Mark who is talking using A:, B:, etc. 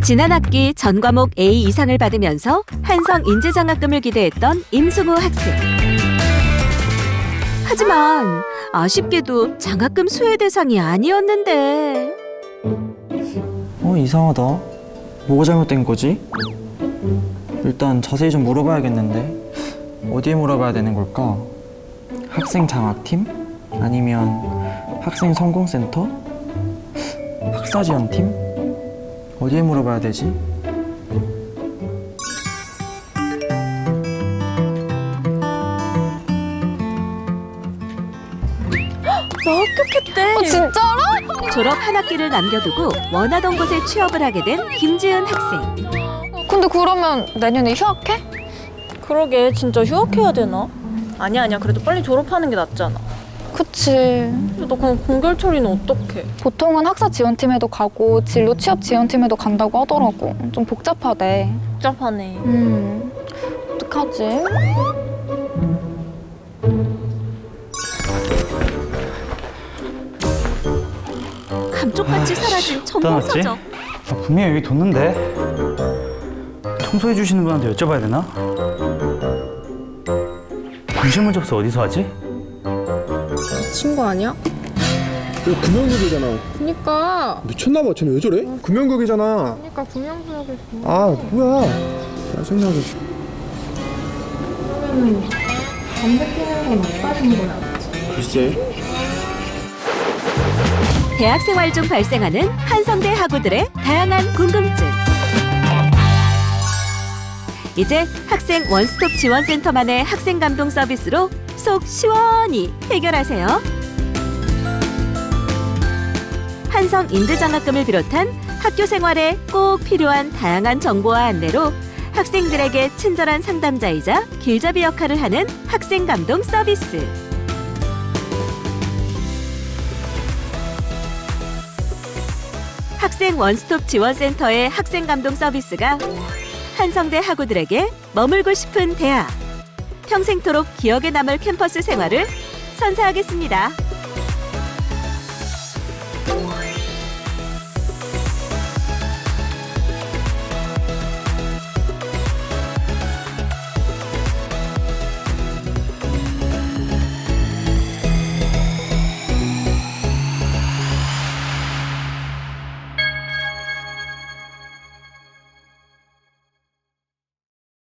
A: 지난 학기 전 과목 A 이상을 받으면서 한성 인재장학금을 기대했던 임승우 학생. 하지만 아쉽게도 장학금 수혜 대상이 아니었는데.
B: 이상하다. 뭐가 잘못된 거지? 일단 자세히 좀 물어봐야겠는데. 어디에 물어봐야 되는 걸까? 학생 장학팀? 아니면 학생 성공센터? 학사지원팀? 어디에 물어봐야 되지?
A: 너 합격했대.
C: 진짜로?
A: 졸업 한 학기를 남겨두고 원하던 곳에 취업을 하게 된 김지은 학생.
C: 근데 그러면 내년에 휴학해?
D: 그러게 진짜 휴학해야 되나? 아니야 그래도 빨리 졸업하는 게 낫잖아.
C: 그치.
D: 근데 너 그럼 공결 처리는 어떡해?
C: 보통은 학사 지원팀에도 가고 진로 취업 지원팀에도 간다고 하더라고. 좀 복잡하대.
D: 복잡하네.
C: 어떡하지?
A: 감쪽같이 사라진 전공
E: 떠났지?
A: 서적.
E: 분명히 여기 뒀는데 청소해 주시는 분한테 여쭤봐야 되나? 분실물 접수 어디서 하지?
F: 친구 아니야?
G: 이거 금연극이잖아.
F: 그니까
G: 미쳤나봐. 쟤는 왜 저래? 금연극이잖아.
F: 그니까 구명구역에서
G: 아 뭐야? 짜증나게.
F: 그러면은 담배 피는 건 어디까지인 거야?
G: 글쎄.
A: 대학 생활 중 발생하는 한성대 학우들의 다양한 궁금증. 이제 학생 원스톱 지원센터만의 학생 감동 서비스로 속 시원히 해결하세요. 한성 인재장학금을 비롯한 학교 생활에 꼭 필요한 다양한 정보와 안내로 학생들에게 친절한 상담자이자 길잡이 역할을 하는 학생 감동 서비스. 학생 원스톱 지원센터의 학생 감동 서비스가 한성대 학우들에게 머물고 싶은 대학, 평생토록 기억에 남을 캠퍼스 생활을 선사하겠습니다.